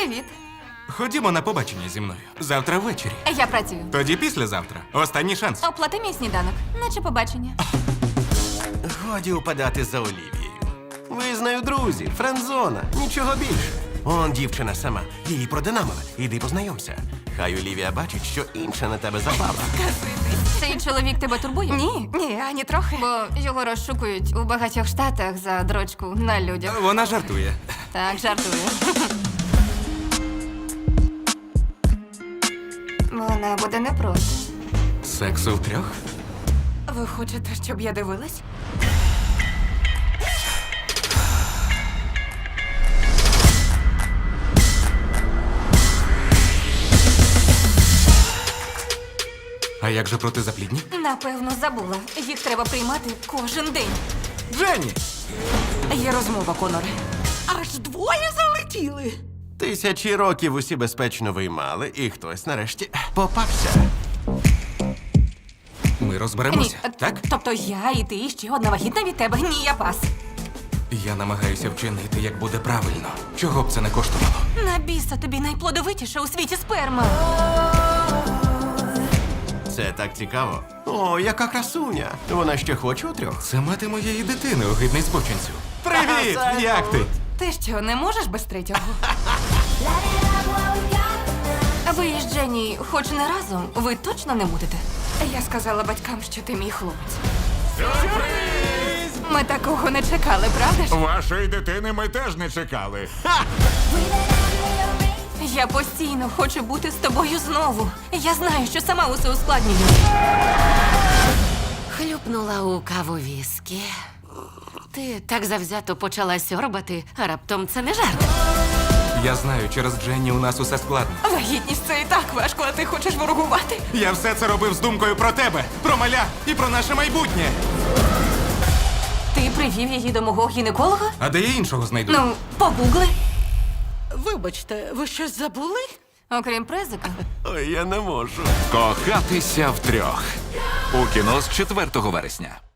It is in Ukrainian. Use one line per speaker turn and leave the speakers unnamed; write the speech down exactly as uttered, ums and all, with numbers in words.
Привіт.
Ходімо на побачення зі мною. Завтра ввечері.
Я працюю.
Тоді післязавтра. Останній шанс.
Оплати мій сніданок, наче побачення.
Годі упадати за Олівією. Ви з нею друзі, френдзона, нічого більше. Он дівчина сама, її продинамили. Іди познайомся. Хай Олівія бачить, що інша на тебе запала.
Цей чоловік тебе турбує?
Ні, ні, ані трохи.
Бо його розшукують у багатьох штатах за дрочку на людях.
Вона жартує.
Так, жартую. Вона буде не проти.
Сексу втрьох?
Ви хочете, щоб я дивилась?
А як же протизаплідні?
Напевно, забула. Їх треба приймати кожен день.
Дженні!
Є розмова, Коноре. Аж двоє залетіли.
Тисячі років усі безпечно виймали, і хтось нарешті попався.
Ми розберемося,
Ні,
так?
Тобто я і ти, і ще одна вагітна від тебе. Ні, я пас.
Я намагаюся вчинити, як буде правильно. Чого б це не коштувало?
На біса тобі найплодовитіша у світі сперма.
Це так цікаво. О, яка красуня. Вона ще хоче у трьох.
Це мати моєї дитини, огидний спочинцю. Привіт!
Салют!
Як ти?
Ти що, не можеш без третього? Ви із Дженні хоч не разом, ви точно не будете?
Я сказала батькам, що ти мій хлопець.
Ми такого не чекали, правда ж?
Вашої дитини ми теж не чекали.
Я постійно хочу бути з тобою знову. Я знаю, що сама усе ускладнюю.
Хлюпнула у каву віскі. Ти так завзято почала сьорбати, а раптом це не жарт.
Я знаю, через Дженні у нас усе складно.
Вагітність це і так важко, а ти хочеш ворогувати.
Я все це робив з думкою про тебе, про маля і про наше майбутнє.
Ти привів її до мого гінеколога?
А де я іншого знайду?
Ну, погугли.
Вибачте, ви щось забули?
Окрім презика.
Ой, я не можу.
Кохатися втрьох. У кіно з четвертого вересня.